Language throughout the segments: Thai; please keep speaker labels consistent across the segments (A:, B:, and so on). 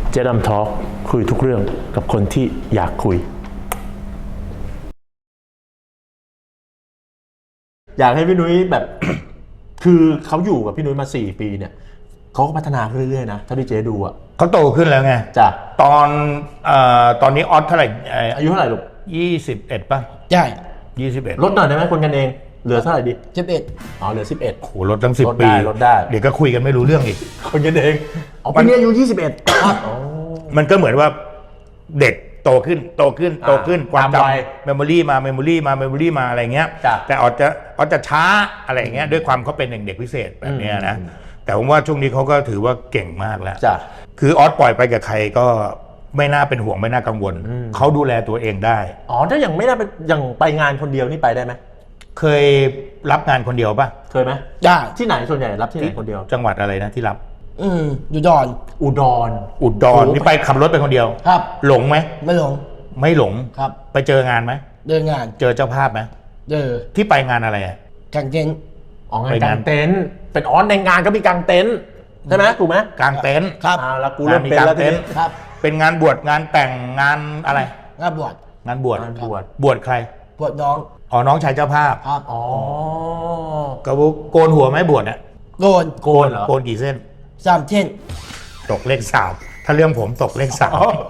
A: เจ๊ดำทอล์คคุยทุกเรื่องกับคนที่อยากคุยอยากให้พี่นุ้ยแบบ คือเขาอยู่กับพี่นุ้ยมา4 ปีเนี่ยเขาก็พัฒนาขึ้นเรื่อยๆนะถ้าที่เจ๊ดูอ่ะ
B: เขาโตขึ้นแล้วไง
A: จ้ะ
B: ตอนนี้ออสเท่าไหร่
A: อายุเท่าไหร่ลูก
B: 21ป่ะ
C: ใช่
B: 21
A: ลดหน่อยได้ไหมคนกันเองเหลือเท่าไหร่ดี
C: 11
A: อ๋อเหลือ11
B: โหลดตั้ง10 ปี
A: ลดได้
B: เดี๋ยวก็คุยกันไม่รู้เรื่องอีก
A: คนกันเองอ๋อปีนี้อายุ21
B: มันก็เหมือนว่าเด็กโตขึ้นความจำเมมโมรี่มาอะไรเงี้ยแต่ออสจะช้าอะไรเงี้ยด้วยความเขาเป็นเด็กพิเศษแบบนี้นะแต่ผมว่าช่วงนี้เขาก็ถือว่าเก่งมากแล้วคือออสปล่อยไปกับใครก็ไม่น่าเป็นห่วงไม่น่ากังวลเขาดูแลตัวเองได้
A: อ๋อถ้าอย่างไม่น่าเป็นอย่างไปงานคนเดียวนี่ไปได้ไหม
B: เคยรับงานคนเดียวป่ะ
A: เคยไหม
C: ได้
A: ที่ไหนส่วนใหญ่รับที่ไหนคนเดียว
B: จังหวัดอะไรนะที่รับ
C: อุดร
B: นี่ไปขับรถไปคนเดียว
C: ครับ
B: หลงไหม
C: ไม่หลงครับ
B: ไปเจองานไหม
C: เดินงาน
B: เจอเจ้าภาพไหมที่ไปงานอะไรอ่ะ
C: กางเต็นท์
A: งานกางเต็นท์เป็นในงานก็มีกางเต็นท์ใช่ไหมถูกไหม
B: กางเต็นท์
C: ครับ
A: แล้วกูเริ่มเป็นแล้วทีนี้
C: ครับ
B: เป็นงานบวชงานแต่งงานอะไร
C: งานบวช
B: บวชใคร
C: บวชน้อง
B: น้องชายเจ้าภาพ
C: ครับ
B: ก็โกนหัวไหมบวชเนี่ย
C: โกน
B: เหรอโกนกี่เส้น
C: 3 เส้น
B: ตกเลข3ถ้าเรื่องผมตกเลข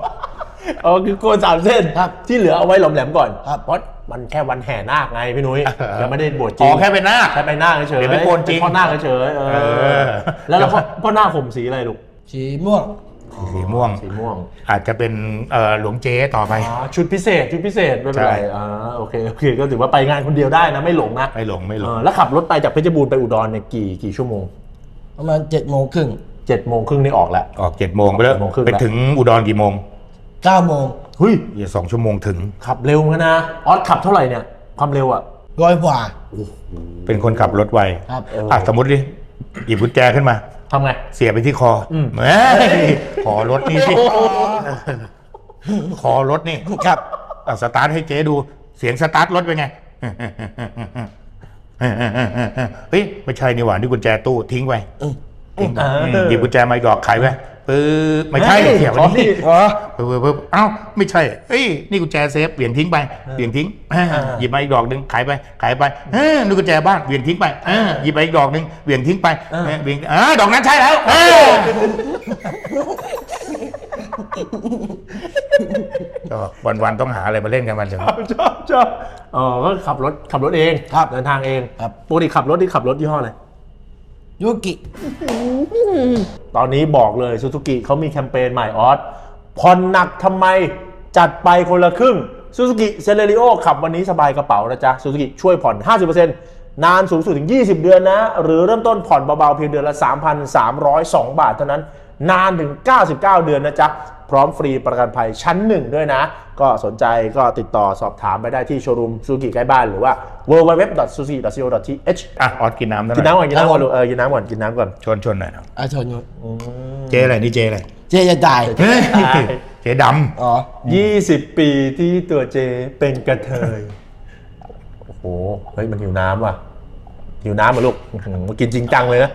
B: 3
A: คือโกน3 เส้นที่เหลือเอาไว้หลอมแหลมก่อน
C: ครับ
A: เพราะมันแค่วันแห่นาคไงพี่นุ้ยยังไม่ได้บวชจริง
B: แค่เป็นนาค
A: เฉย
B: เดี๋ยวไปโกนจริง
A: พ่อนาคเฉยแล้วพ่อนาคผมสีอะไรลูก
C: สีม่วง
B: อาจจะเป็นหลวงเจ๊ต่อไป
A: ชุดพิเศษไม่เป็นไรโอเคก็ถือว่าไปงานคนเดียวได้นะไม่หลงนะ
B: ไม่หลง
A: แล้วขับรถไปจากเพชรบูรณ์ไปอุดรเนี่ยกี่ชั่วโมง
C: ประมาณ7 โมงครึ่ง
A: นี่ออกแล้ว
B: ออก7 โมงไปแล้วไปถึงอุดรกี่โมง
C: 9 โมง
A: เฮ้ย
B: 2 ชั่วโมงถึง
A: ขับเร็วนะออสขับเท่าไหร่เนี่ยความเร็วอ่ะ
C: 100 กว่า
B: เป็นคนขับรถไว
C: ครับ
B: สมมติดิหยิบกุญแจขึ้นมา
A: ทำไง
B: เสียไปที่คอขอรถนี่สิขอรถนี่
C: ครับ
B: สตาร์ทให้เจ๊ดูเสียงสตาร์ทรถเป็นไงเฮ้ยไม่ใช่นี่หว่านี่กุญแจตู้ทิ้งไว้หยิบกุญแจมาอีกดอกขายไว้ไม่ใช่เสียบนี่เอ้าไม่ใช่เอ้ยนี่กุญแจเซฟเปลี่ยนทิ้งไปหยิบมาอีกดอกนึงขายไปนี่กุญแจบ้านเปลี่ยนทิ้งไปหยิบไปอีกดอกนึงเปลี่ยนทิ้งไปดอกนั้นใช่แล้ววันต้องหาอะไรมาเล่นกันมัน
A: ชอบก็ขับรถเองเดินทางเองปกติขับรถยี่ห้ออะไร
C: ยูกิ
A: ตอนนี้บอกเลยซูซูกิเขามีแคมเปญใหม่ออสผ่อนหนักทำไมจัดไปคนละครึ่งซูซูกิเซเลริโอขับวันนี้สบายกระเป๋านะจ๊ะซูซูกิช่วยผ่อน 50% นานสูงสุดถึง20 เดือนนะหรือเริ่มต้นผ่อนเบาๆเพียงเดือนละ 3,302 บาทเท่านั้นนานถึง99 เดือนนะจ๊ะพร้อมฟรีประกันภัยชั้น1ด้วยนะก็สนใจก็ติดต่อสอบถามไปได้ที่โชว์รูมซูซูกิใกล้บ้านหรือว่า www.suzuki.co.th
B: ออสกินน้ำ
A: กินน้ำก่อนกินน้ำก่อน
B: ชนหน่อยนะ
C: ชน
B: เจ๊อะไรนี่เจ๊อะไร
C: เจ๊จะตาย
B: เจ๊ดำ
A: 20 ปีที่ตัวเจ๊เป็นกระเทยโอ้โหเฮ้ยมันหิวน้ำว่ะหิวน้ำมาลูกมากินจริงจังเลยนะ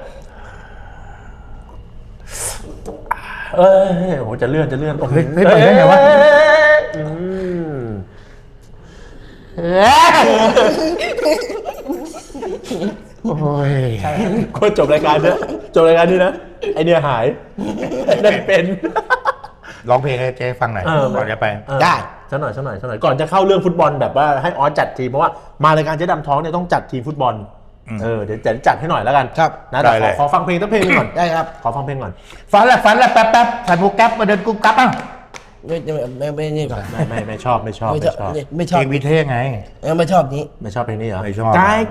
A: โหจะเลื่อน
B: ไม่ไปได้ไงวะโอ้ย
A: ก็จบรายการนี้นะไอเนี่ยหายนั่นเป็น
B: ร้องเพลงให้เจ๊ฟังหน่อยก่อนจะไป
A: ได้สักหน่อยก่อนจะเข้าเรื่องฟุตบอลแบบว่าให้ออสจัดทีมเพราะว่ามารายการเจ๊ดำท้องเนี่ยต้องจัดทีมฟุตบอลเดี๋ยวจะจัดให้หน่อยแล้วกัน
C: ครับ
A: นะแต่ขอฟังเพลงสักเพลงก่อน
C: ได้ครับ
A: ขอฟังเพลงก่อน
B: ฟันแล้วแป๊บใส่หมวกแก๊ปมาเดินกุ๊กกั๊บ
C: ไม่นี่ก่อน
A: ไม่ชอบเพ
B: ลงวิเทศไง
C: ไม่ชอบนี้
A: ไม่ชอบเพลงนี้เหรอ
B: ไม่ชอบ
A: กาย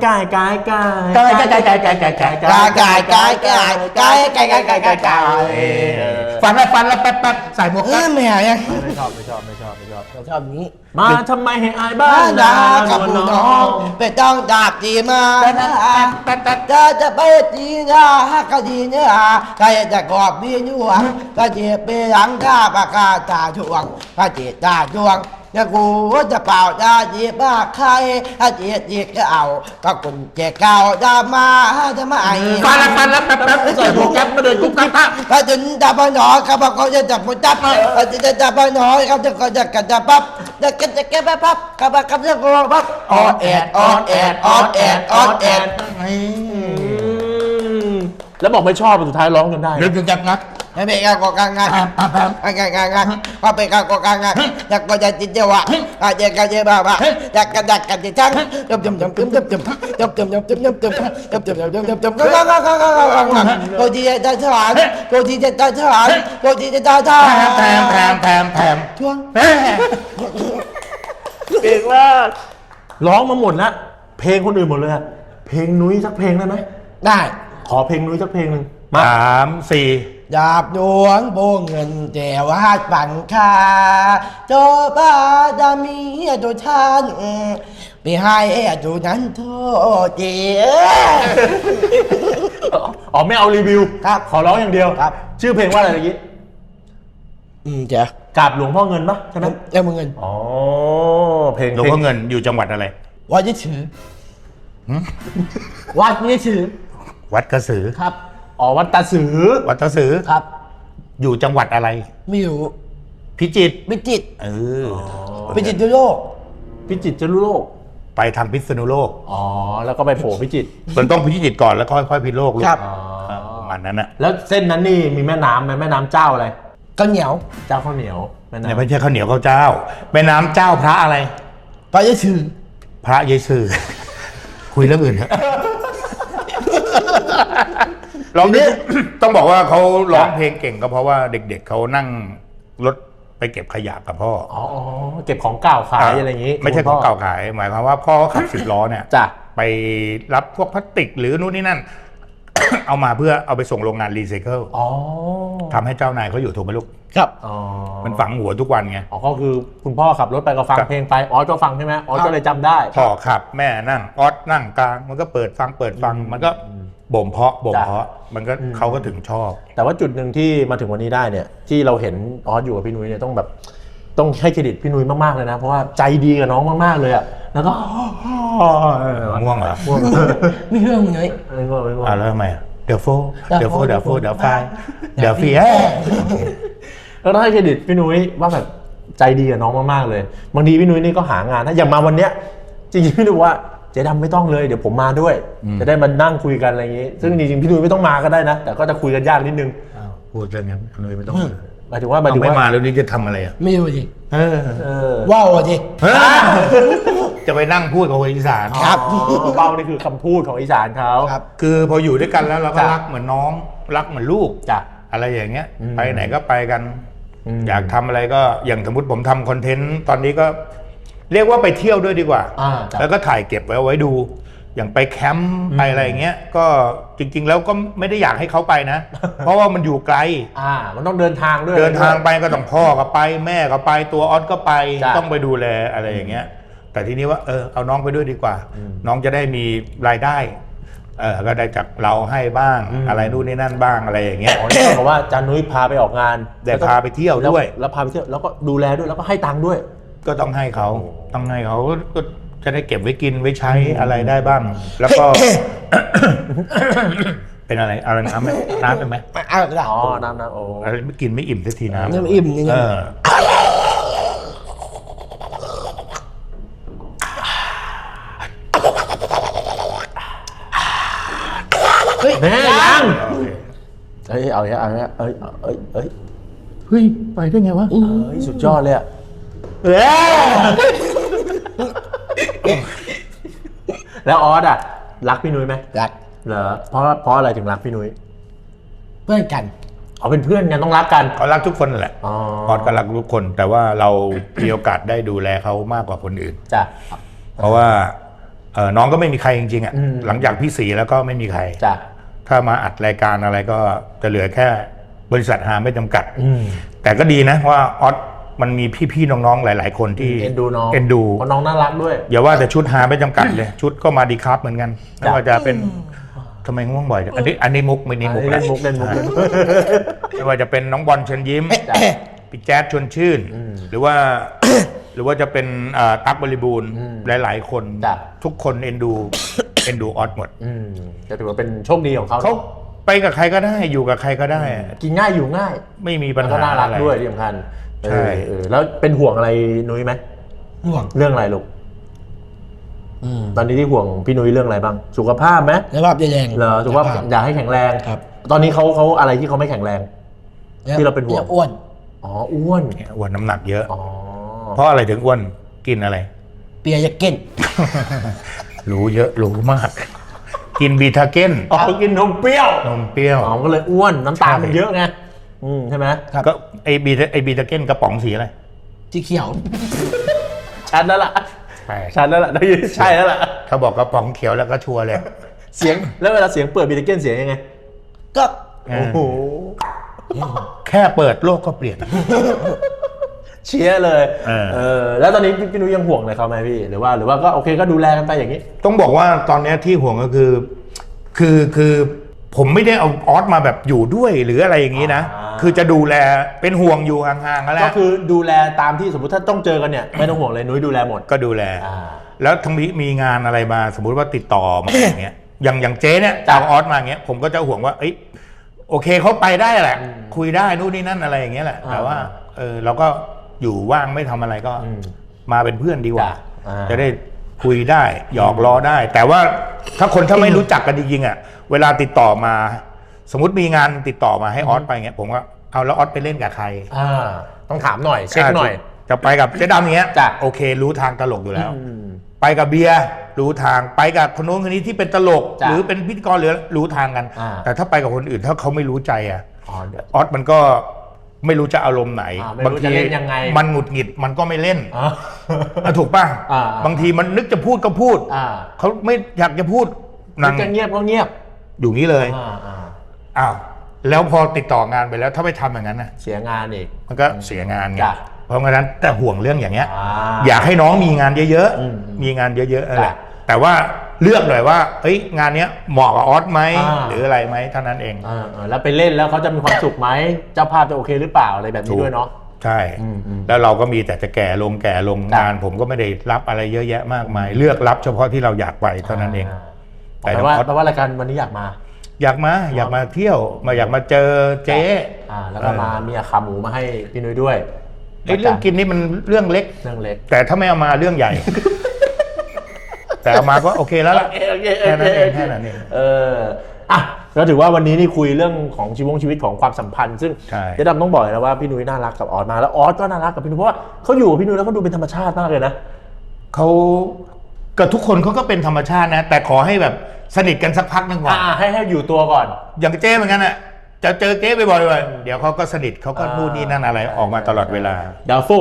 B: ฟันแล้วแป๊บใส่หมวกแก๊ป
C: ไม่หาย
A: ไม่ชอบ
C: นี้
A: มาทำไมให้อายบ้านดา
C: กับน้องไปต้องดาบจีมาจะไปจีนาก็ดีเนื้อใครจะกอบบีนัวก็เจ็บไปหลังข้าปากกาตาช่วงก็เจ็บตาช่วงเนี่ยกูจะเป่าจะจีบมาใครถ้าจีบก็เอาก็คุณเจ๊เก่าจะมาจะมาไอ้
B: ฟันแล้วแป๊บใส่หมวกแก๊ปมาเดินกุ๊กกั๊ก
C: ถ้าถึงจะไปหนอครับเขาจะจับมือจับจะไปหนอครับจะก็จะกันจะปั๊บจะกันจะแก้ปั๊บครับจะก็ปั๊บออดแอดออดแอดออดแอดออดแอด
A: แล้วบอกไม่ชอบสุดท้ายร้องจนได้
B: เดินจับงัด
C: ให้เป็นการก่อการงานงานก็เป็นการก่อการงานอยากก็จะจิตเจวะอาจจะกันเจบ้าบ้าอยากกันดักกันจิตจังจมก็ที่จะทหารก็ที่จะทหารก็ที่จะทหาร
B: แถม
C: ช่วง
A: เก่งมากร้องมาหมดแล้วเพลงคนอื่นหมดเลยอะเพลงนุ้ยสักเพลงได้ไหม
C: ได้
A: ขอเพลงนุ้ยสักเพลงหนึ่งมา
B: 3 4
C: ดาบดวงโบเงินแต่ว่าปังคาโจบ้าจะมีตัวท่านไปให้ตัวนั้นโทษเจ้
A: อ๋อไม่เอารีวิว
C: ครับ
A: ขอร้องอย่างเดียว
C: ครับ
A: ชื่อเพลงว่าอะไรเมื่อกี้
C: เจ้าก
A: ราบหลวงพ่อเงินปะใช่ไหม
C: แล้วมึงเงิน
A: อ๋อเพลง
B: หลวงพ่อเงินอยู่จังหวัดอะไร
C: วัดยี่ถือวัดยี่ถือ
B: วัดกระสือ
C: ครับ
A: อ๋อวัดตาสือ
B: วัดกระสือ
C: ครับ
B: อยู่จังหวัดอะไร
C: ไม่รู้
B: พิจิตร
C: พิจิตร
B: เ
C: พิจิตรยุโรป
A: พิจิตรจรุโลก
B: ไปทางพิษณุโลก
A: อ๋อแล้วก็ไปโผล่พิจิตร
B: มันต้องพิจิตรก่อนแล้วค่อยพิษณุโลกลูก
C: ครับ
A: อ๋อ
B: ประมาณนั้นนะ
A: แล้วเส้นนั้นนี่มีแม่น้ำไหมแม่น้ำเจ้าอะไร
C: ข้าวเหนียว
A: เจ้าข้าวเหนียวแม่
B: เนี่ย
A: น้ำ
B: ไม่ใช่ข้าวเหนียวข้าวเจ้าแม่น้ำเจ้าพระอะไร
C: วัดยี่ถือ
B: พระเยซูคุยเรื่องอื่นเถอะลองดิต้องบอกว่าเขาร้องเพลงเก่งก็เพราะว่าเด็กๆเขานั่งรถไปเก็บขยะกับพ่อ
A: อ๋อเก็บของเก่าขายอะไรอย่างงี้
B: ไม่ใช่ของเก่าขาย หมายความว่าพ่อขับ10 ล้อเนี่ย
A: จ้ะ
B: ไปรับพวกพลาสติกหรือนู่นนี่นั่น เอามาเพื่อเอาไปส่งโรงงานรีไซเคิล
A: อ๋อ
B: ทำให้เจ้านายเขาอยู่ถูกไหมลูก
C: ครับ
A: อ๋อ
B: มันฝังหัวทุกวันไง
A: อ๋อก็คือคุณพ่อขับรถไปก็ฟัง
B: ครับ
A: เพลงไปออสก็ฟังใช่ไหมออสก็เลยจำได้
B: พ่อขับแม่นั่งออสนั่งกลาง มันก็เปิดฟังมันก็บ่มเพาะมันก็เขาก็ถึงชอบ
A: แต่ว่าจุดหนึ่งที่มาถึงวันนี้ได้เนี่ยที่เราเห็นออสอยู่กับพี่นุ้ยเนี่ยต้องแบบต้องให้เครดิตพี่นุ้ยมากๆเลยนะเพราะว่าใจดีกับน้องมากๆเลยอะแล้วก็
B: ง่วงเหรอ
A: ง่วง
C: ไม่เรื่องมึงไง
A: ไม่ง่วงไม่ง่วง
B: แล้วทำไมเดี๋ยวโฟ
C: เดี๋ยวโฟ
B: เดี๋ยวไฟเดี๋ยวฟี
A: แล้วต้องให้เครดิตพี่นุ้ยว่าแบบใจดีกับน้องมากๆเลยบางทีพี่นุ้ยนี่ก็หางานถ้าอย่างมาวันเนี้ยจริงๆพี่นุ้ยบอกว่าเจ๊ดำไม่ต้องเลยเดี๋ยวผมมาด้วย จะได้มานั่งคุยกันอะไรอย่างงี้ ซึ่งจริงๆพี่นุ้ยไม่ต้องมาก็ได้นะ แต่ก็จะคุยกันยากนิดนึง
B: พูดเรื่องนั้นเลยไม่ต้อง
A: หมายถึงว่า
B: ไม่มาแล้วนี่จะทำอะไรอ่ะ
C: ไม่รู้ดิ
A: เออ
C: ว้าวดิ
B: จะไปนั่งพูดกับคนอีสาน
C: ครับ
A: อ๋อเบ้านี่คือคำพูดของอีสานเขา
C: ครับ
B: คือพออยู่ด้วยกันแล้วเราก็
A: จ้ะ
B: รักเหมือนน้องรักเหมือนลูก
A: จ้ะ
B: อะไรอย่างเงี้ย
A: อืม
B: ไปไหนก็ไปกัน
A: อืม
B: อยากทำอะไรก็อย่างสมมติผมทำคอนเทนต์ตอนนี้ก็เรียกว่าไปเที่ยวด้วยดีกว่า
A: จ้ะ
B: แล้วก็ถ่ายเก็บไว้ดู อย่างไปแคมป์ไปอะไรอย่างเงี้ยก็จริง ๆ แล้วก็ไม่ได้อยากให้เขาไป นะ เพราะว่ามันอยู่ไกล
A: มันต้องเดินทางด้วย
B: เดินทางไปก็ต้องพ่อก็ไปแม่ก็ไปตัวออสก็ไป
A: จ้ะ
B: ต้องไปดูแลอะไรอย่างเงี้ย แต่ทีนี้ว่าเอาน้องไปด้วยดีกว่า น้องจะได้มีรายได้ก็ได้จากเราให้บ้างอะไรนู่นนี่นั่นบ้างอะไรอย่างเงี้ย
A: อ๋อนี่เท่ากับว่าจานุ้ยพาไปออกงาน
B: ได้พาไปเที่ยวด้วย
A: แล้วพาไปเที่ยวแล้วก็ดูแลด้วยแล้วก็ให้ตังค์ด้วย
B: ก็ต้องให้เขาก็จะได้เก็บไว้กินไว้ใช้อะไรได้บ้าง แล้วก็ เป็นอะไรน้ำไหมน้ำเป็นไหม
C: เอาละ
A: อ๋อน้ำโอ้
B: อะไรไม่กินไม่อิ่มสักทีน้ำ
C: ยังอิ่มยัง
A: แม่ยัง
B: โอเค
A: เอ้ยเอาเอ้ย
B: เฮ้ยไปได้ไงวะ
A: สุดยอดเลยอะแล้วออสอะรักพี่นุ้ยไหม
C: รัก
A: เหรอเพราะอะไรถึงรักพี่นุ้ย
C: เพื่อนกัน
A: เอาเป็นเพื่อนกันต้องรักกัน
B: เขารักทุกคนนั่นแหละ
A: อ๋อ
B: ออสก็รักทุกคน แต่ว่าเรา มีโอกาสได้ดูแลเขามากกว่าคนอื่น
A: จ้ะ
B: เพราะว่าน้องก็ไม่มีใครจริงๆอ่ะ
A: อืม
B: หลังจากพี่สีแล้วก็ไม่มีใคร
A: จ้ะ
B: ถ้ามาอัดรายการอะไรก็จะเหลือแค่บริษัทหาไม่จำกัด
A: อืม
B: แต่ก็ดีนะว่าออสมันมีพี่ๆน้องๆหลายๆคนที่
A: เอ็นดูน้อง
B: เอ็นดู
A: เพราะน้องน่ารักด้วย
B: อย่าว่าแต่ชุดหาไม่จำกัดเลย ชุดก็มาดีครับเหมือนกันไม่
A: จ้ะ
B: ว่าจะเป็นทำไมง่วงบ่อยจังอันนี้มุกไม่นี่มุก
A: เล่นมุก
B: ไม่ว่าจะเป็นน้องบอลเชิญยิ้ม
A: จ้ะ
B: พี่แจ๊ดชวนชื่น
A: อืม
B: หรือว่าหรือว่าจะเป็นตั๊กบริบูรณ์หลายๆคน
A: จ้ะ
B: ทุกคนเอ็นดู เอ็นดูออสหมด
A: จะถือว่าเป็นโชคดีของเขา
B: เขาไปกับใครก็ได้อยู่กับใครก็ได้
A: กินง่ายอยู่ง่าย
B: ไม่มีปัญ
A: แล้วก็
B: หา
A: น่ารัก
B: อะไร
A: ด้วยที่สำคัญ
B: ใช่
A: แล้วเป็นห่วงอะไรนุ้ยไหม
C: ห่วง
A: เรื่องอะไรลูกตอนนี้ที่ห่วงพี่นุ้ยเรื่องอะไรบ้างสุขภาพไหม
C: สภาพแดง
A: เหรอสุขภาพอยากให้แข็งแรง
C: ครับ
A: ตอนนี้เขาอะไรที่เขาไม่แข็งแรง ที่เราเป็นห่วง
C: อ้วน
A: อ๋ออ้วน
B: อ้วนน้ำหนักเยอะ
A: อ๋อ
B: เพราะอะไรถึงอ้วนกินอะไร
C: เปียยาเก้น
B: รู้เยอะรู้มาก กินบีทาเก้น
A: อ๋อกินนมเปรี้ยวน
B: มเปรี้ยว
A: อ๋อก็เลยอ้วนน้ำตาล
B: ใช่
A: มันเยอะไงใช่ไหม
C: ครับ
B: ก็ไอบีทาเก้นกระป๋องสีอะไร
C: สีเขียว
A: ชัดแล้วล่ะ
B: ใช่
A: ชัดแล้วล่ะได้ยินใช่แล้วล่ะ
B: เขาบอกกระป๋องเขียวแล้วก็ชัวร์เลย
A: เสียงแล้วเวลาเสียงเปิดบีเทเกนเสียงยังไง
C: ก็
A: โอ้โห
B: แค่เปิดโลกก็เปลี่ยน
A: เชียร์เลย แล้วตอนนี้พี่นุ้ยยังห่วงอะไรเขาไหมพี่หรือว่าก็โอเคก็ดูแลกันไปอย่างนี้
B: ต้องบอกว่าตอนเนี้ยที่ห่วงก็คือผมไม่ได้เอาออสมาแบบอยู่ด้วยหรืออะไรอย่างนี้นะ คือจะดูแลเป็นห่วงอยู่ห่างๆก็แล้
A: ก็
B: ว
A: คือดูแลตามที่สมมติถ้าต้องเจอกันเนี่ยไม่ต้องห่วงเลยนุ้ยดูแลหมด
B: ก็ดูแล
A: อ่า
B: แล้วทั้งนี้มีงานอะไรมาสมมุติว่าติดต่อมาอย่างเงี้ยอย่างเจ๊เนี่ย
A: จ้ะ
B: เอาออสมาอย่างเงี้ยผมก็จะห่วงว่าเอ้ยโอเคเขาไปได้แหละ คุยได้นู่นนี่นั่นอะไรอย่างเงี้ยแหละแต่ว่าเราก็อยู่ว่างไม่ทำอะไรก็มาเป็นเพื่อนดีกว่า
A: จ้ะอ่า
B: จะได้คุยได้หยอกล้อได้ แต่ว่าถ้าไม่รู้จักกันจริงๆอ่ะเวลาติดต่อมา สมมติมีงานติดต่อมาให้ออสไปเงี้ยผมก็เอาแล้วออสไปเล่นกับใคร
A: ต้องถามหน่อยเช็คหน่อย
B: จะไปกับเจ๊ดำอย่างเงี้ย
A: จ้ะ
B: โอเครู้ทางตลกอยู่แล้ว ไปกับเบียร์รู้ทางไปกับคนโน้นคนนี้ที่เป็นตลก
A: จ้ะ
B: หรือเป็นพิธีกรหรือรู้ทางกัน
A: อ่า
B: แต่ถ้าไปกับคนอื่นถ้าเขาไม่รู้ใจอ่ะ
A: เดี๋ยว
B: ออสมันก็ไม่รู้จะอารมณ์ไหน
A: ไม่รู้จะเล่นยังไง
B: มันหงุดหงิดมันก็ไม่เล่น
A: อ่า
B: ถูกป่ะ
A: อ่า
B: บางทีมันนึกจะพูดก็พูด
A: อ่า
B: เขาไม่อยากจะพูด
A: นึกจะเงียบก็เงียบ
B: อยู่งี้เลย
A: อ่า
B: อ้าวแล้วพอติดต่องานไปแล้วถ้าไปทำอย่างนั้นนะ
A: เสียงานอีก
B: มันก็เสียงานไง
A: จ้ะ
B: เพราะงั้นแต่ห่วงเรื่องอย่างเงี้ย
A: อ
B: อยากให้น้องมีงานเยอะ
A: อืม
B: ๆ มีงานเยอะๆอะไร
A: จ้ะ
B: แต่ว่าเลือกหน่อยว่าเอ้ยงานเนี้ยเหมาะกับออสไหม
A: อ่า
B: หรืออะไรไหมเท่านั้นเอง
A: แล้วไปเล่นแล้วเขาจะมีความสุขไหมเจ้าภาพจะโอเคหรือเปล่าอะไรแบบนี้ด้วยเนาะ
B: ใช่
A: อืม
B: แล้วเราก็มีแต่จะแก่ลง
A: จ้ะ
B: งานผมก็ไม่ได้รับอะไรเยอะแยะมากมาย เลือกรับเฉพาะที่เราอยากไปเท่านั้นเอง แต่
A: แต่
B: น้อง
A: ว่า
B: ออส
A: แปลว่ารายการวันนี้อยากมา
B: อยากมาเที่ยวอยากมาเจอเจ๊
A: แล้วก็มามีขาหมูมาให้พี่นุ้ยด้วย
B: ไอ้เรื่องกินนี่มันเรื่องเล็ก
A: เรื่องเล็ก
B: แต่ถ้าไม่เอามาเรื่องใหญ่ แต่เอามาก็โอเคแล้วล่ะ
A: โอเค
B: แค่นั้นเองแค่นั้นเอง
A: อ่ะก็ถือว่าวันนี้นี่คุยเรื่องของชีวิตของความสัมพันธ์ซึ่ง
B: ใช่
A: เจ๊ดำต้องบอกเลยนะว่าพี่นุ้ยน่ารักกับออสมาแล้วออสก็น่ารักกับพี่นุ้ยเพราะว่าเขาอยู่กับพี่นุ้ยแล้วเขาดูเป็นธรรมชาติมากเลยนะ
B: เขากับทุกคนเขาก็เป็นธรรมชาตินะ แต่ขอให้แบบสนิทกันสักพักหนึงก่อน
A: ให้อยู่ตัวก่อน
B: อย่างเจ๊เหมือนกันอ่ะจะเจอเจ๊บ่อยๆเดี๋ยวเขาก็สนิทเขาก็นู่นนี่นั่นอะไรออกมาตลอดเวลา
A: ดาโฟ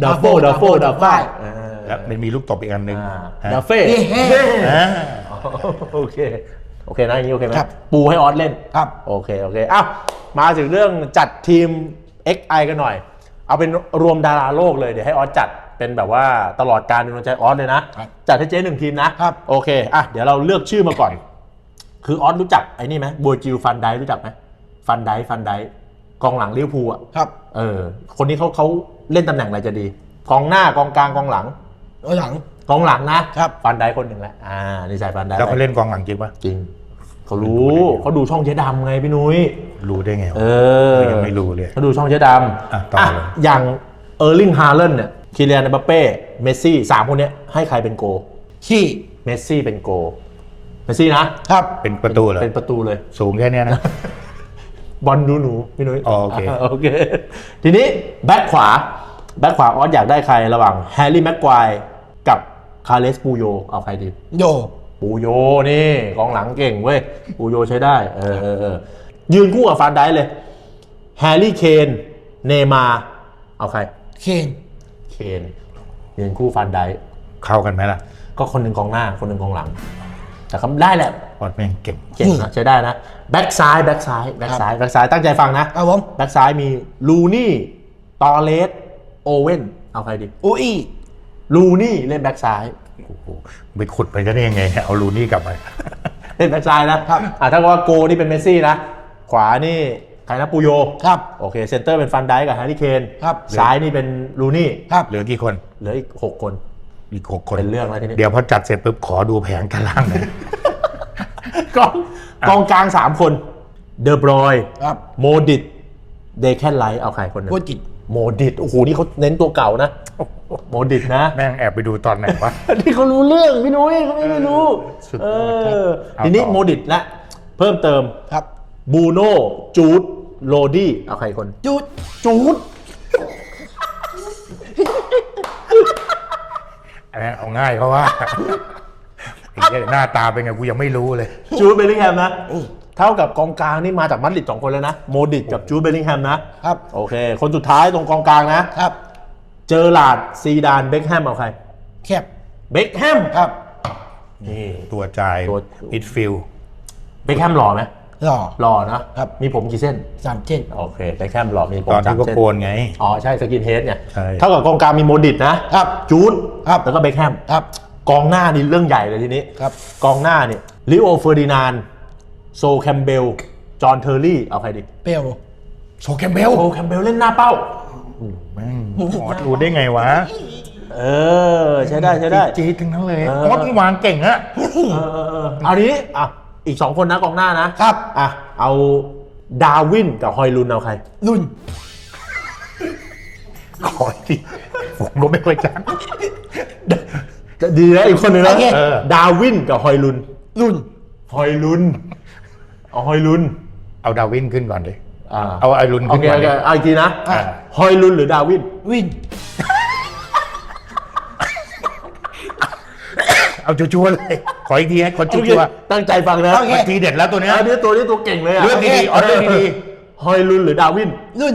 B: แล้วมันมีลูกตบอีกอันหนึ่งฮะ
A: ดาเฟ่
B: อ่า
A: โอเคนะอย่างนี้โอเคไหม
C: ครับ
A: ปูให้ออสเล่น
C: ครับ
A: โอเคอ้าวมาถึงเรื่องจัดทีม XI กันหน่อย เอาเป็นรวมดาราโลกเลยเดี๋ยวให้ออสจัดเป็นแบบว่าตลอดการเป็นดวงใจออสเลยนะ จัดให้เจ๊หนึ่งทีมนะครับ โอเคเดี๋ยวเราเลือกชื่อมาก่อน คือออสรู้จักไอ้นี่ไหมบัวจิลฟันไดรู้จักไหมฟันไดกองหลังลิเวอร์พูลอ่ะ
C: ครับ
A: คนนี้เขาเล่นตำแหน่งอะไรจะดีกองหน้ากองกลางกองหลัง
C: หลัง
A: กองหลังนะครับ ฟันไดคนหนึ่งแหละนี่ใส่ฟันได
B: แล้วเขาเล่นกองหลังจริงปะ
A: จริงเขารู้เขาดูช่องเจ๊ดำไงพี่นุ้ย
B: รู้ได้ไงวะ ยังไม่รู้เลย
A: เขาดูช่องเจ๊ดำ
B: ต่อเลย
A: อย่างเออร์ลิงฮาเลนเนี่ยคิเลียน เอ็มบัปเป้เมสซี่3คนเนี้ยให้ใครเป็นโก
C: ขี้
A: เมสซี่เป็นโกเมสซี่นะครับ
B: เป็นประตูเหรอ
A: เป็นประตูเลย
B: สูงแค่เนี้ยนะ
A: บอลดูหนูพี่นุ้ย
B: อ๋อโอเค
A: โอเค ทีนี้แบ็คขวาออสอยากได้ใครระหว่างแฮร์รี่แม็กควายกับคาร์เลสปูโยเอาใครดี
C: โย
A: ปูโยนี่กองหลังเก่งเว้ยปูโยใช้ได้ยืนคู่กับฟานไดเลยแฮร์รี่เคนเนมาร์เอาใคร
C: เคน
A: เคนยืนคู่ฟานได
B: เข้ากันไหมล่ะ
A: ก็คนหนึ่งกองหน้าคนหนึ่งกองหลัง แต่ก็ได้แหละ
B: ออสแม่งเก่ง
A: เก่งนะใช้ได้นะแบ็กซ้ายตั้งใจฟังนะครับ
C: ผม
A: แบ็กซ้ายมีลูนี่ตอเลสโอเว่นเอาใครดี
C: อูอี้
A: ลูนี่เล่นแบ็กซ้าย
B: โอ้โหไปขุดไปจะได้ยังไงเนี่ยเอาลูนี่กลับมา
A: เล่นแบ็กซ้ายนะถ้าว่าโกนี่เป็นเมสซี่นะขวานี่ใครนะปูโย
C: ครับ
A: โอเคเซนเตอร์เป็นฟันไดกับแฮร์รี่เคน
C: ครับ
A: ซ้ายนี่เป็นลูนี่
C: ครับ
B: เหลือกี่คน
A: เหลืออีก6 คน
B: อีก6 คน
A: เป็นเรื่องแล้วทีนี้
B: เดี๋ยวพอจัดเสร็จปุ๊บขอดูแผงกันล่างหน่อย
A: กองกลาง 3 คนเดอบรอย
C: ครับ
A: โมดิตเดแคนไลท์เอาใครคนหนึง
C: โคจิต
A: โมดิตโอ้โหนี่เขาเน้นตัวเก่านะโมดิตนะ
B: แม่งแอบไปดูตอนไหนวะ
A: นี่เขารู้เรื่องพี่นุ้ยเขาไม่รู้
B: สุดย
A: เอ
B: อดครับ
A: อ
B: เอา
A: ทีนี้
B: ต่อ
A: โมดิตละเพิ่มเติม
C: ครับ
A: บูโน่จูดโรดี้เอาใครคน
C: จุด
A: จูด
B: อันนั้นเอาง่ายเพราะว่าไอ้เหี้ยหน้าตาเป็นไงกูยังไม่รู้เลย
A: จูดเบลลิงแฮมนะเท่ากับกองกลางนี่มาจากมัดริด2 คนแล้วนะโมดิตกับจูดเบลลิงแฮมนะครับ โอเค คนสุดท้ายตรงกองกลางนะครับ เจอร์ลาร์ดซีดานเบคแฮมเอาใคร
C: แคบ
A: เบคแฮม
C: ครับ
A: นี่
B: ตัวจ่าย
A: ตัว
B: มิดฟิลด์
A: เบคแฮมหล่อไหม
C: หล่อ
A: หล่อนะครับ มีผมกี่เส้น
C: 3 เส้น
A: โอเคเบคแฮมหล่อมีผม
B: ตอนที่
A: 3
B: ก็
A: เส้น
B: โกนไง
A: อ๋อใช่สกินเฮดเนี่ย
B: ใช่
A: เท่ากับกองกลางมีโมดิตนะครับ จูด
C: ครับ
A: แล้วก็เบคแฮม
C: ครับ
A: กองหน้านี่เรื่องใหญ่เลยทีนี้
C: ครับ
A: กองหน้านี่ลิโอเฟอร์ดินานโซแคมเบลจอห์นเทอร์รี่เอาใครดี
C: เปรี้ยว
B: โซแคมเบล
A: โซแคมเบลเล่นหน้าเป้า
B: แม่งออสรู้ได้ไงวะ
A: เออใช้ได้ใช้ได้
B: จี๊ดทั้งนั้นเลย
A: เอ
B: อ
A: อ
B: อสมึงวางเก่งอะ
A: เอาทีนี้อ่ะอีก 2 คนนะกองหน้านะครับ อ่ะเอาดาวินกับฮอยลุนเอาใคร
C: รุ่น
B: ขออีกทีผมก็ไม่ค่อยจ
A: ดีนะอีกคนหนึ่งนะ
C: โอเค
A: ดาวินกับฮอยลุน
C: รุ่น
A: ฮอยลุนเอาฮอยลุน
B: ำเอาดาวินขึ้นก่อนดิ
A: อ่า
B: เอาไอรุน
A: โอ
B: ขึ้น
A: เค
B: ก่อ
A: โอน เค
B: ดิ
A: เอาอีกทีนะ
C: อ่ะ
A: ฮอยลุนหรือดาวิน
C: วิน
B: เอาชัวร์ๆเลย ขออีกทีให้คนชั
A: โอเค
B: วร์
A: ตั้งใจฟังนะ
C: โอเค
B: ๆทีเด็ดแล้วตัวเนี้ย
A: อันนี้ตัวเก่งเลยอะ
B: เรื่องดีๆเอาเรื่องดี
A: ฮอยลุนหรือดาวิน
C: รุ่น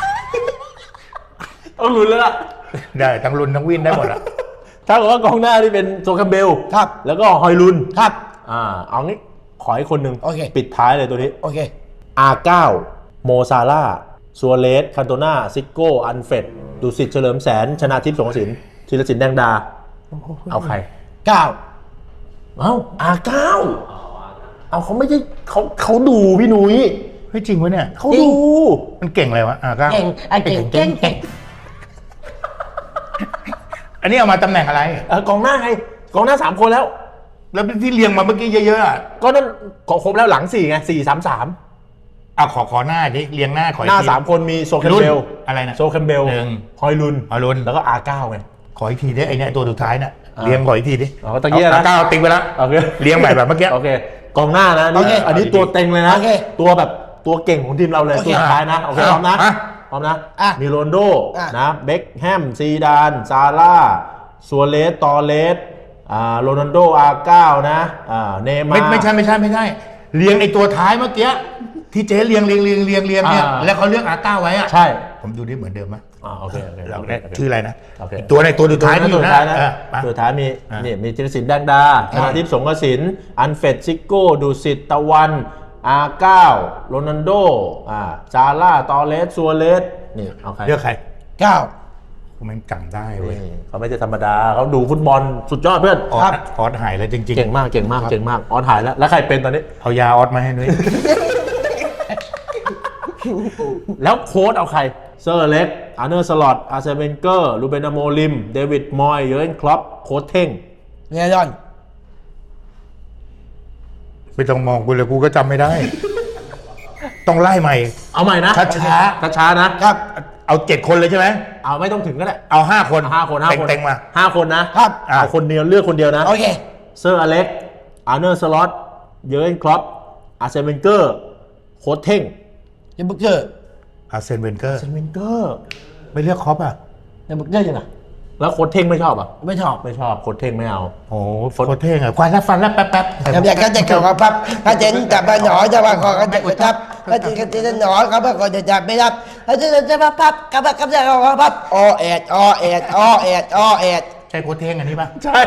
A: ต้องลุ้นแล้วล่ะ
B: ๆได้ทั้งรุนทั้งวินได้หมดอะ
A: ถ้าเกิดว่ากองหน้าที่เป็นโซคัมเบล
C: ครับ
A: แล้วก็ฮอยลุน
C: ครับ
A: เอางี้ขอให้คนหนึ่ง
C: โอเค
A: ปิดท้ายเลยตัวนี้
C: โอเค
A: R9 โมซาร่าซัวเรสคันโตนาซิโก้ อันเฟดดูสิตเฉลิมแสน ชนาทิพย์สงกระสินธีรศิลป์แดงดา เอาใคร
C: 9
A: เอ้า R9 เอาเขาไม่ใช่เขาดูพี่นุ้ย
B: เฮ้ยจริงวะเนี่ย
A: เขาดู
B: มันเก่งอะไรวะก้า
C: เก่งไอ้เก่งเก่งเก่ง
B: อันนี้เอามาตำแหน่งอะไร
A: กองหน้าไงกองหน้า 3 คนแล้ว
B: แล้วที่เรียงมาเมื่อกี้เยอะๆอะ
A: ก็นั่นขอครบแล้วหลัง 4 ไง 4-3-3
B: เอาขอหน้าดิเรียงหน้าขออี
A: ห
B: ก
A: น้า
B: ที
A: 3 คนมีโซแคมเบล
B: รุ่นอะไรนะ
A: โซแคมเบล
B: หนึ่ง
A: ฮอยลุน
B: ฮอยลุน
A: แล้วก็ R9 ไง
B: ขออีกทีดิไอเนี่ยตัวสุดท้ายน่ะเรียงขออีกทีดิ
A: อ๋อตะเกียบนะ
B: ก้าวติ๊กไปแล้ว
A: โอเค
B: เรียงใหม่แบบเมื่อกี้
A: โอเคกองหน้านะ
C: โอเค
A: อันนี้ตัวเต็งเลยนะ
C: โอเค
A: ตัวแบบตัวเก่งของทีมเราเลย
C: โอเค
A: ตัวสุดท้ายนะโอเคพร้อมนะ
B: อ่ะ
A: พร้อมนะ
C: อ่ะ
A: มีโรนลโด
C: อ่ะ
A: นะเบคแฮมซีดานซาร่าซัวเรสตอเรสโรนัลโดR9 นะเนย์มาร์
B: ไม่ใช่เรียงไอตัวท้ายเมื่อกี้ที่เจ๊เรียงเนี่ยแล้วเขาเลือกR9ไว้อะ
A: ใช่
B: ผมดูดิเหมือนเดิมไหม
A: โอเคโอเค
B: เรา
A: โอเค
B: เนี่ย
A: โอเค
B: ชื่ออะไรนะ
A: โอเค
B: ตัวในตัวสุดท้ายที่อยู่
A: ตัว
B: นะ
A: ท้ายนะ
B: มา
A: ตัวท้ายมี
B: อ่ะ
A: นี่มีธีรศิลป์แดงดาชนาทิพย์สงกระสินอันเฟดซิโก้ดูสิตตะวันR9 โรนัลโดซาร่าตอเรสซัวเรสนี่เอาใคร
B: เลือกใคร
C: 9
B: ผมมันจำได้เว้ย
A: นี่เขาไม่ใช่ธรรมดาเขาดูฟุตบอลสุดยอดเพื่อน
B: ออ
C: ครั
B: ส
C: บ
B: ออสหายแล้วจริง
A: เก่งมากออนหายแล้วใครเป็นตอนนี้
B: ๆเอายาออสมาให้นุ้ย
A: แล้วโค้ชเอาใครเซอร์เล็กอาร์เนอร์สลอตอาร์เซเวนเกอร์ลูเบนอาโมลิมเดวิดมอยเยอร์เกนคล็อปโค้ชเท่ง
C: เนยดอน
B: ไม่ต้องมองกูเลยกูก็จำไม่ได้ ต้องไล่ใหม่
A: เอาใหม่นะ ช้าๆนะ
C: ครับ
B: เอา7 คนเลยใช่ไหม
A: เอาไม่ต้องถึงก็ได้
B: เอา5 คน
A: 5 คน
B: เต็งๆมา
A: 5 คนนะครับ เอาคนเดียวเลือกคนเดียวนะ
C: โอเค
A: เซอร์อเล็กอาร์เนอร์สลอตเยอร์เกนคล็อปอาร์เซเวนเกอร์โค้ชเท่ง
C: เดบุกเกอร์
B: อาร์เซนเวนเกอร์
A: อาร์เซเวนเกอร์
B: ไม่เลือกคอปอ่ะ
C: เดบุกเกอร์ยังไง
A: แล้วโค้ชเท่งไม่ชอบอ่ะ
C: ไม่ชอบ
A: ไม่ชอบโค้ชเท่งไม่เอา
B: โอ้โหโคตรเท่งอ่ะควายแล้วฟันแล้วแป๊บ
C: อยากจะเกี่ยวกับปั๊บถ้าเจนจับมาหนอจะมาขอกันจะกดทับถ้าเจนจะหนอเขาบอกจะจับไม่รับถ้าเจนจะมาพับกับจะขอพับอแอด
B: ใช่โคตรเท่งอันนี้ป่ะ
A: ใช่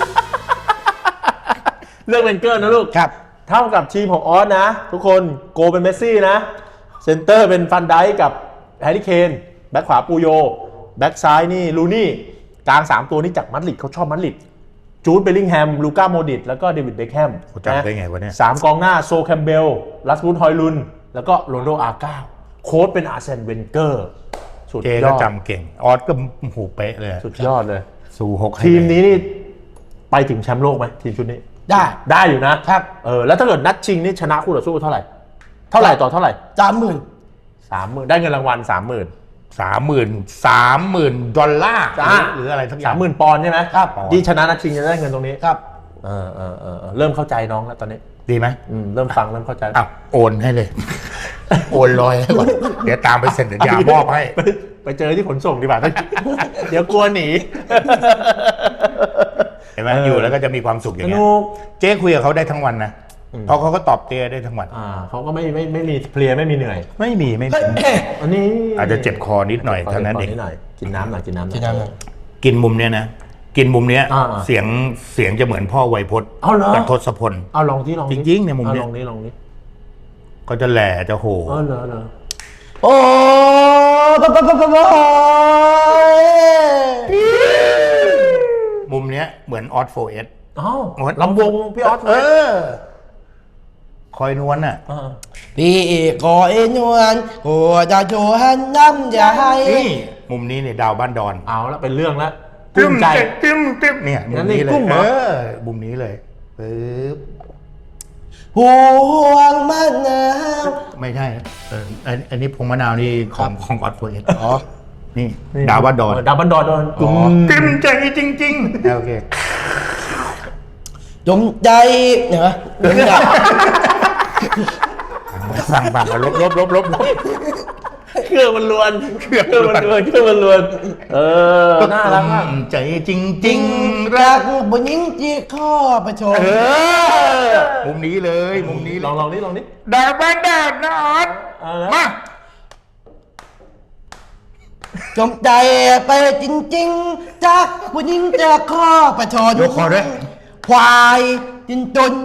A: เลือกเวนเกอร์นะลูก
C: ครับ
A: เท่ากับทีมของออสนะ ทุกคนโกเป็นเมสซี่นะเซนเตอร์เป็นฟันไดกับแฮร์รี่เคนแบ็คขวาปูโยแบ็คซ้ายนี่ลูนี่กลาง 3 ตัวนี้จากมัดริดเขาชอบมัดริดจูดเบลลิงแฮมลูก้าโมดิตแล้วก็เดวิดเบคแฮม
B: กูจำได้ไงวะเนี่ย
A: 3 กองหน้าโซแคมเบลลัสมูดฮอยลุนแล้วก็โรนลโดอาร์ก้าโค้ชเป็นอาร์เซนเวนเกอร์สุด
B: เจ
A: ย
B: ก็
A: อด
B: จำเก่งออสก็หูเป๊ะเลย
A: สุดยอดเลย
B: สู่6
A: ทีมนี้นี่ไปถึงแชมป์โลกไหมทีมชุดนี้
C: ได้
A: อยู่นะครับ แล้วถ้าเกิดนัดชิงนี่ชนะคู่ต่อสู้เท่าไหร่ต่อเท่าไหร่
C: 30,000
A: 30,000ได้เงินรางวัล 30,000
B: 30,000 ดอลลาร์หรืออะไรทั้งอย่าง
A: 30,000 ปอนด์ใช่ไหม
C: ครับ
A: ที่ชนะนัดชิงจะได้เงินตรงนี้
C: ครับ
A: เริ่มเข้าใจน้องแล้วตอนนี้
B: ดีไหม
A: เริ่มฟังเริ่มเข้าใจ
B: อ้าวโอนให้เลย โอนลอยให้ก่อนเดี๋ยวตามไปเซ็นสัญญามอบให้
A: ไปเจอที่ขนส่งดีกว่า เดี๋ยวกลัวหนี
B: เห็นไหมอยู่แล้วก็จะมีความสุขอย่างเงี้ย
A: สนุก
B: เจ๊คุยกับเขาได้ทั้งวันนะเพราะเขาก็ตอบเจ๊ได้ทั้งวัน
A: เขาก็ไม่มีเพลียไม่มีเหนื่อย
B: ไม่มี
A: อันนี้
B: อาจจะเจ็บคอนิดหน่อยเท่านั้นเอง
A: นิดหน่อยกินน้ำหน่อย
C: กินน้ำหน่อย
B: กินมุมเนี้ยนะกินมุมเนี้ย
A: อ่า
B: เสียงจะเหมือนพ่อไวยพจน์
A: เอาเหรอ
B: กับทศพล
A: เอาลองที่ลอง
B: จริงๆเนี่ยมุมเนี้ย
A: ลองนี้
B: ก็จะแหล่จะโห
A: เหรอ
C: โอ้ปะปะปะปะปะ
B: มุมเนี้ยเหมือนออสโฟเอส
A: อ้าวลำวงพี่ออส
B: คอยนวลน่ะ
C: พี่ก็เอ็นวันก็จะโชว์หันน้ำใจ
B: นี่มุมนี้เนี่ยดาวบ้านดอน
A: เอาละเป็นเรื่องแล้วกุ้มใจ
B: ตึ้มเนี่ยมุมนี้เล
A: กุ้
B: ย
A: มเหรอ
B: มุมนี้เลยปึ๊บ
C: ห่วงมันหนาว
B: ไม่ใช่อันนี้พงมะนาวนี่ของออสโฟเอส
C: อ๋อ
B: นี่ดาวบ้านดอน
A: ดาวบ้านดอนกุ้ม
B: ตึ้มใจจริงๆโอเค
C: จมใจเหรอ
B: สั่งบังลบ
A: เครื่องมันลวนน่ารักมาก
B: ใจจริงๆ
C: รักผู้หญิงที่ข้อประชม
B: มุมนี้เลยมุมนี้
A: ลองนี่
B: ดาวบ้านดอนนะออสมา
C: จมใจไปจริงๆจากผู้หญิงจะข้อประชน
B: ยกคอด้วย
C: ควายจินจน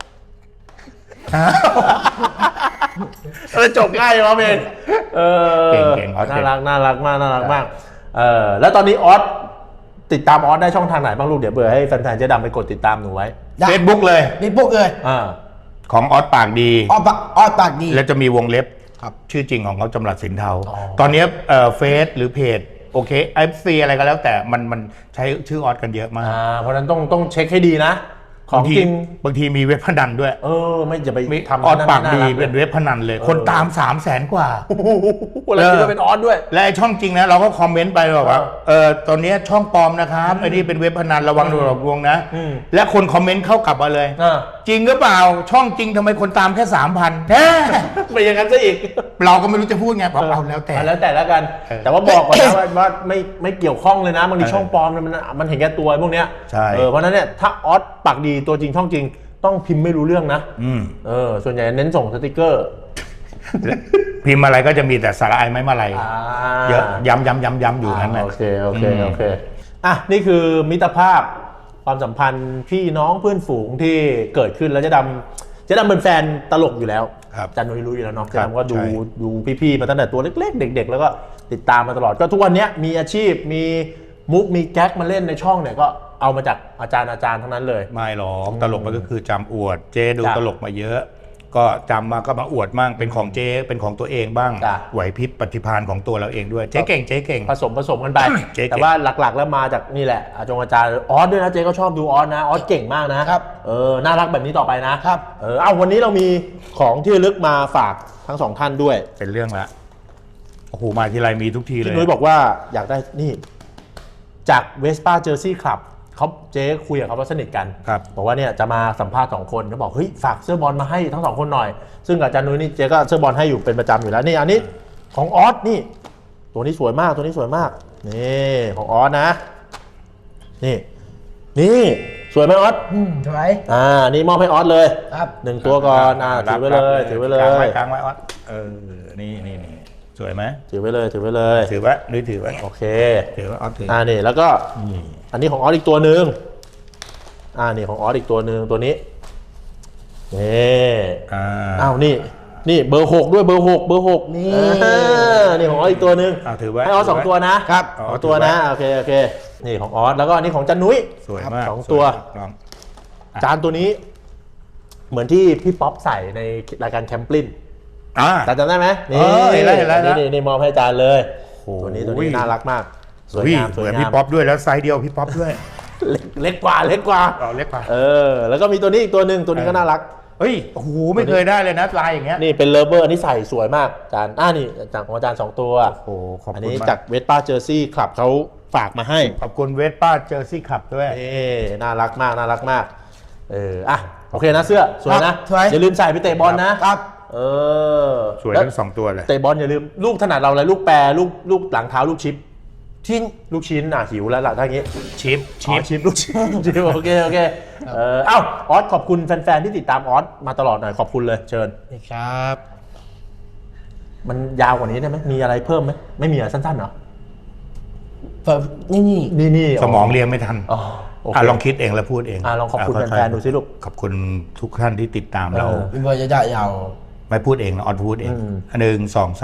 A: จบง่ายเลยเมน
B: เก่งออส
A: น่ารักมากแล้วตอนนี้ออสติดตามออสได้ช่องทางไหนบ้างลูกเดี๋ยวเบื่อให้แฟนๆเจ๊ดำไปกดติดตามหนูไว้
B: เฟซบุ๊กเลย
C: นี่พวกเลย
B: ของออสปากดี
C: ออปากดี
B: แล้วจะมีวงเล็บ
C: ครับ
B: ชื่อจริงของเขาจำรัดสินเทาตอนนี้เฟซหรือเพจโอเค FC อะไรก็แล้วแต่มันใช้ชื่อออสกันเยอะมาก
A: เพราะฉะนั้นต้องเช็คให้ดีนะ ของจริง
B: บางทีมีเว็บพนันด้วย
A: ไม่จะไป
B: มี
A: ทำ
B: ออสปากดี
A: น่รั
B: เป็นเว็บพนันเลย คนตาม 300,000 กว่า
A: แล้วคิดว่าเป็นออสด้วย
B: และไอ้ช่องจริงนะเราก็คอมเมนต์ไปบอกว่าตอนนี้ช่องปลอมนะครับไอ้นี่เป็นเว็บพนันระวังโดนหลอกลวงนะ และคนคอมเมนต์เข้ากลับมาเลย จริงหรือเปล่าช่องจริงทำไมคนตามแค่ 3,000แท้
A: ไม่อย่างนั้นซะอีก
B: เราก็ไม่รู้จะพูดไงบอกเอาแล้วแต่
A: แล้วกัน แต่ว่าบอกก่อนนะว่าไม่เกี่ยวข้องเลยนะบางทีช่องปลอมมันเห็นแก่ตัวพวกเนี้ย
B: ใช่
A: เพราะฉะนั้นเนี่ยถ้าออสปากดีตัวจริงช่องจริงต้องพิมพ์ไม่รู้เรื่องนะส่วนใหญ่เน้นส่งสติกเกอร์
B: พิมพ์อะไรก็จะมีแต่สาระไอไม่มาอะไรเยอะย้ำอยู่นั้นแหละ
A: โอเคนี่คือมิตรภาพความสัมพันธ์พี่น้องเพื่อนฝูงที่เกิดขึ้นแล้วเจ๊ดำเป็นแฟนตลกอยู่แล้ว
B: ครับ
A: จันนุ้ยรู้อยู่แล้วเนาะ
B: ค
A: เจ๊
B: รับ
A: ดำก็ดู
B: ใช่
A: ดูพี่ๆมาตั้งแต่ตัวเล็กๆเด็กๆแล้วก็ติดตามมาตลอดก็ทุกวันนี้มีอาชีพมีมุกมีแก๊กมาเล่นในช่องเนี่ยก็เอามาจากอาจารย์ทั้งนั้นเลย
B: ไม่หรอกตลกมันก็คือจำอวดเจดู
A: จ้ะ
B: ตลกมาเยอะ ก็จำมาก็มาอวดมั่งเป็นของเจเป็นของตัวเองบ้าง
A: จ้ะ
B: ไหวพริบปฏิภาณของตัวเราเองด้วยเจ๊เก่ง
A: ผสมกันไป
B: เจ๊เก่ง
A: แต่ว่าหลักๆแล้วมาจากนี่แหละอาจารย์ออสด้วยนะเจ๊ก็ชอบดูออสนะออสเก่งมากนะครับ น่ารักแบบนี้ต่อไปนะครับ วันนี้เรามีของที่ระลึกมาฝากทั้งสองท่านด้วย
B: เป็นเรื่องละโอ้โหมาทีไรมีทุกทีเลย
A: พี่นุ้ยบอกว่าอยากได้นี่จากเวสป้าเจอร์ซี่คลับเขาเจ๊คุยกับเขาว่าสนิทกัน
B: ครับ
A: บอกว่าเนี่ยจะมาสัมภาษณ์2 คนเขาบอกเฮ้ยฝากเสื้อบอลมาให้ทั้ง2 คนหน่อยซึ่งอาจารย์นุ้ยนี่เจ๊ก็เสื้อบอลให้อยู่เป็นประจำอยู่แล้วนี่อันนี้ของออสนี่ตัวนี้สวยมากนี่ของออสนะนี่สวยไหมออส
C: สวย
A: นี่มอบให้ออสเลย
C: ครับ
A: 1 ตัวก่อนถือไว้เลย
B: กลางไว้ออสนี่สวยไหม
A: ถือไว้เลย
B: ถือไว้หรือถือไว้
A: โอเค
B: ถือไว้ออสถือ
A: นี่แล้วก็อันนี้ของออสอีกตัวหนึ่งนี่ของออสอีกตัวหนึ่งตัวนี้นี่เบอร์ 6ด้วยเบอร์ 6นี่ของออสอีกตัวหนึ่ง
B: ถือไว้
A: ให้ออส2 ตัวนะครับ 2 ตัวนะโอเคนี่ของออสแล้วก็อันนี้ของจันนุ้ย
B: สวยมาก
A: 2 ตัว
B: ลอง
A: จานตัวนี้เหมือนที่พี่ป๊อปใส่ในรายการแคมปลินจานจำได้ไหม
B: เห็นแล้ว
A: นี่มอบให้จานเลย
B: โอ้โห
A: ตัวนี้น่ารักมากสวยงาม
B: เหมือนพี่ป๊อปด้วยแล้วไซส์เดียวพี่ป๊อปด้วย
A: เล็กกว่า
B: เล็กกว่า
A: แล้วก็มีตัวนี้อีกตัวหนึ่งตัวนี้ก็น่ารัก
B: เฮ้ยโอ้โหไม่เคยได้เลยนะลายอย่างเงี้ย
A: นี่เป็นเลเวอร์นี่ใส่สวยมากจานนี่จากของอาจารย์2ตัว
B: โอ้โหขอบคุณ
A: อันนี้
B: มาก
A: จากเวสป้าเจอร์ซี่คลับเขาฝากมาให้
B: ขอบคุณเวสป้าเจอร์ซี่ขับด้วย
A: น่ารักมากโอเคนะเสื้อสวยนะ
C: สวย
A: อย่าลืมใส่ไปเตะบอลนะครับ
B: สวยทั้งสองตัวเลย
A: เตะบอลอย่าลืมลูกถนัดเราอะไรลูกแปรลูกหลังเท้าลูกชิปลูกชิ้นหิวแล้วล่ะถ้าอย่างงี้
B: ชิป
A: ลูกชิ้น โอเคออสขอบคุณแฟนๆที่ติดตามออสมาตลอดหน่อยขอบคุณเลยเชิญ
C: นี่ครับ
A: มันยาวกว่านี้ได้ไหมมีอะไรเพิ่มไหมไม่มีอะไรสั้นๆเหรอ
C: นี่
A: นี่
B: สมองเรียงไม่ทัน
A: โอเค
B: ลองคิดเองแล้วพูดเอง
A: ลองขอบคุณแฟนๆดูสิลูก
B: ขอบคุณทุกท่านที่ติดตามเรา
C: พี่บอยจะได้ยาว
B: ไม่พูดเองนะออดพูดเอง 1 2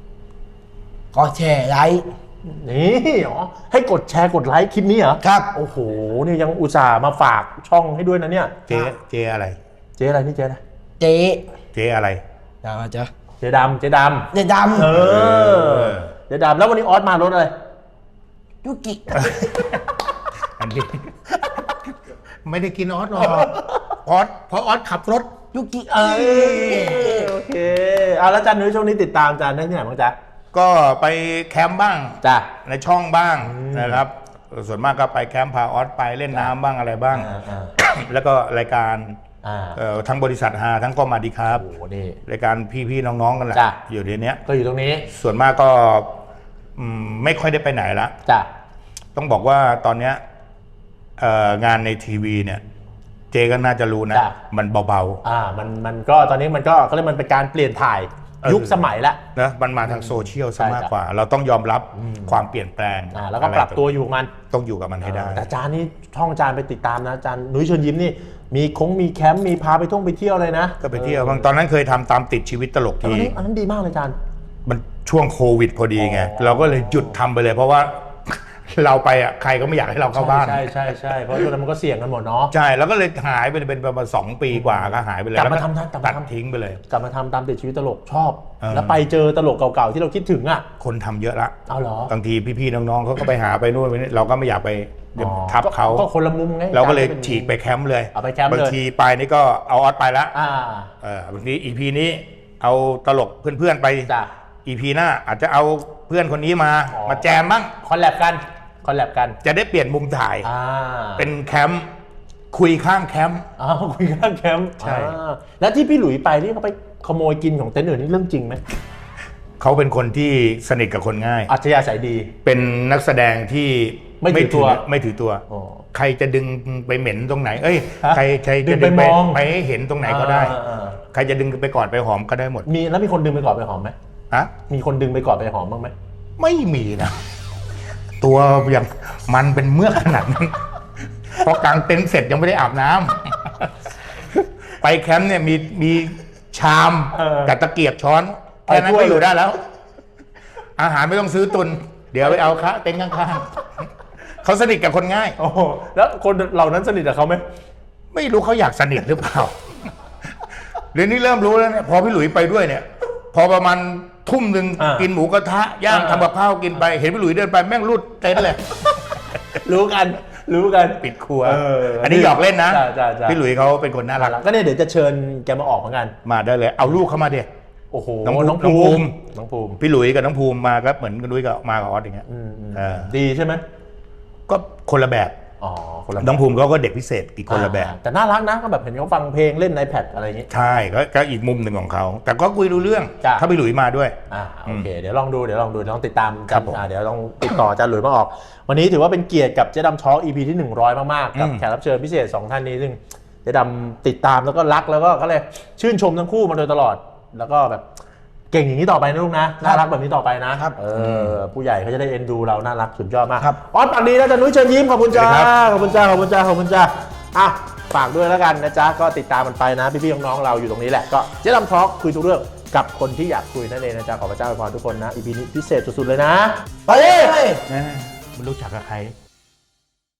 B: 3
C: ก็แชร์ไลค์
A: นี่ให้กดแชร์กดไลค์คลิปนี้เหรอ
C: ครับ
A: โอ้โหนี่ยังอุตส่าห์มาฝากช่องให้ด้วยนะเนี่ย
B: เจอะไร
A: เจ๊อะไรนี่เจ๊อะไร
C: เจ๊
B: เจอะไร
C: ยาวจ้ะ
A: เจ๊ดำ
C: เจ๊ดำ
A: เจ๊ดำแล้ววันนี้ออสมารถอะไร
C: ยุกิ
B: อันนี้ ไม่ได้กินออสหรอกเพราะออสขับรถ
C: ยุกิ
A: โอเคแล้วจันนุ้ยช่วงนี้ติดตามจันได้ที่ไหนบ้างจ๊ะ
B: ก็ไปแคมป์บ้าง
A: จ้ะ
B: ในช่องบ้างนะครับ ส่วนมากก็ไปแคมป์พาออสไปเล่นน้ำบ้างอะไรบ้าง แล้วก็รายการทั้งบริษัทฮาทั้งก็มาดีครับ
A: โอ้โหนี่
B: รายการพี่ๆน้องๆกันแหละ
A: จ้ะ
B: อยู่ในเนี้ย
A: ก็อยู่ตรงนี้
B: ส่วนมากก็ไม่ค่อยได้ไปไหนละ
A: จ้ะ
B: ต้องบอกว่าตอนเนี้ยงานในทีวีเนี่ย เจก็น่าจะรู้นะ มันเบา
A: มันก็ตอนนี้มันก็เขาเรียกมันเป็นการเปลี่ยนถ่ายยุคสมัยละ
B: ๆนะมันมาทางโซเชียลซะ
A: ใช่
B: มากกว่า เราต้องยอมรับความเปลี่ยนแปลง
A: แล้วก็ปรับตัวอยู่กับมัน
B: ต้องอยู่กับมันให้ได้
A: แต่จานนี่ช่องจานไปติดตามนะจานนุ้ยเชิญยิ้มนี่มีแคมป์มีพาไปเที่ยวเลยนะ
B: ก็ไปเที่ยวบางตอนนั้นเคยทำตามติดชีวิตตลก
A: อัน
B: ที
A: นั้นดีมากเลยจาน
B: มันช่วงโควิดพอดีไง เราก็เลยหยุดทำไปเลย เพราะว่า เราไปอ่ะใครก็ไม่อยากให้เราเข้าบ้าน
A: ใช่เพราะช่วงนั้นมันก็เสี่ยงกันหมดเนาะ
B: ใช่แล้วก็เลยหายไปเป็นประมาณ2 ปีกว่าก็หายไปเลย
A: กลับมา
B: แว
A: ทำนะกลับมา
B: ตัด
A: ทำ
B: ทิ้งไปเลย
A: กลับมาทำตามติดชีวิตตลกชอบ
B: เออ
A: แล้วไปเจอตลกเก่าๆที่เราคิดถึงอ่ะ
B: คนทำเยอะละ
A: เอาเหรอบ
B: างทีพี่ๆน้องๆเขาก็ไปหาไปนู่นไปนี่เราก็ไม่อยากไปทับเขา
A: ก็คนละมุมไง
B: เราก็เลยฉีกไปแคมป์เลย
A: เอาไปแคมป์เลย
B: บางทีไปนี่ก็เอาออสไปละ
A: อ่า
B: บางทีอีพีนี้เอาตลกเพื่อนๆไป
A: จ้ะ
B: อีพีหน้าอาจจะเอาเพื่อนคนนี้มาแจมบ้าง
A: คอลแลบกัน
B: จะได้เปลี่ยนมุมถ่าย เป็นแคมป์คุยข้างแคมป์
A: คุยข้างแคมป์
B: ใช่
A: แล้วที่พี่หลุยไปนี่เขาไปขโมยกินของเต็นท์อื่นนี่เรื่องจริงไหม
B: เขาเป็นคนที่สนิทกับคนง่าย
A: อัจฉริยะสายดี
B: เป็นนักแสดงที่
A: ไม่ถือตัว
B: ไม่ถือตัว
A: อ๋อ
B: ใครจะดึงไปเหม็นตรงไหน เอ้ย
A: ฮะ
B: ใครจะ
A: ดึงไปมอง
B: ไปให้เห็นตรงไหนก็ได้ ใครจะดึงไปกอดไปหอมก็ได้หมด
A: แล้วมีคนดึงไปกอดไปหอมไหม
B: ฮะ
A: มีคนดึงไปกอดไปหอมบ้างไหม
B: ไม่มีนะ ตัวอย่างมันเป็นเมือกขนาดนั้น พอกางเต็นท์เสร็จยังไม่ได้อาบน้ำ ไปแคมป์เนี่ยมีชามกับตะเกียบช้อนแค่นั้นก็อยู่ได้แล้ว อาหารไม่ต้องซื้อตุน เดี๋ยวไปเอาคะเต็นท์ข้างๆเขาสนิทกับคนง่าย
A: โอ้โหแล้วคนเหล่านั้นสนิทกับเขาไหม
B: ไม่รู้เขาอยากสนิทหรือเปล่า เดี๋ยวนี้เริ่มรู้แล้วเนี่ยพอพี่หลุยไปด้วยเนี่ย พอประมาณทุ่มหนึ่งกินหมูกระทะย่างทำกับข้าวกินไป เห็นพี่หลุยเดินไปแม่งรูดเต็นท์เลย
A: รู้กัน
B: ปิดครัว
A: อั
B: อันนี้หยอกเล่นนะ
A: จ้ะ
B: พี่หลุยเขาเป็นคนน่ารัก
A: ก็เนี่ยเดี๋ยวจะเชิญแกมาออกเหมือนกัน
B: มาได้เลย เอาลูกเข้ามาเด็ก
A: โอ้โห
B: น้องภูมิ
A: น้องภูมิ
B: พี่หลุยกับน้องภูมิมาก็เหมือนกันด้วยกับมากับออสอย่างเงี้ย
A: ดีใช่ไหม
B: ก็คนละแบบ
A: อ๋อคนละ
B: น้องภูมิเขาก็เด็กพิเศษอีกคนละแบบ
A: แต่น่ารักนะก็แบบเห็นเขาฟังเพลงเล่นในiPad อะไรอย่างงี้
B: ใช่ก็อีกมุมหนึ่งของเขา แต่ก็คุยรู้เรื่อง
A: จ้ะ
B: ถ้าพี่หลุยมาด้วย
A: โอเคเดี๋ยวลองดูเดี๋ยวลองติดตาม
B: ครับผม
A: เดี๋ยวลองติดต่ออาจารย์หลุยมาออก วันนี้ถือว่าเป็นเกียรติกับเจ๊ดำช็อค EP ที่100มากๆกับแขกรับเชิญพิเศษ2ท่านนี้ซึ่งเจ๊ดำติดตามแล้วก็รักแล้วก็เลยชื่นชมทั้งคู่มาโดยตลอด แล้วก็แบบเก่งอย่างนี้ต่อไปนะลูกนะน่ารักแบบนี้ต่อไปนะผู้ใหญ่เขาจะได้เอ็นดูเราน่ารักสุดยอดมากออสปากดีนะจ๊ะนุ้ยเชิญยิ้มขอบคุณจ้าขอบคุณจ้าฝากด้วยแล้วกันนะจ๊ะก็ติดตามมันไปนะพี่ๆน้องๆเราอยู่ตรงนี้แหละก็เจ๊ดำทอล์คคุยทุกเรื่องกับคนที่อยากคุยนั่นเองนะจ๊ะขอพระเจ้าอวยพรทุกคนนะ EP นี้พิเศษสุดๆเลยนะ
C: ไปเลย
B: มันรู้จักกับใคร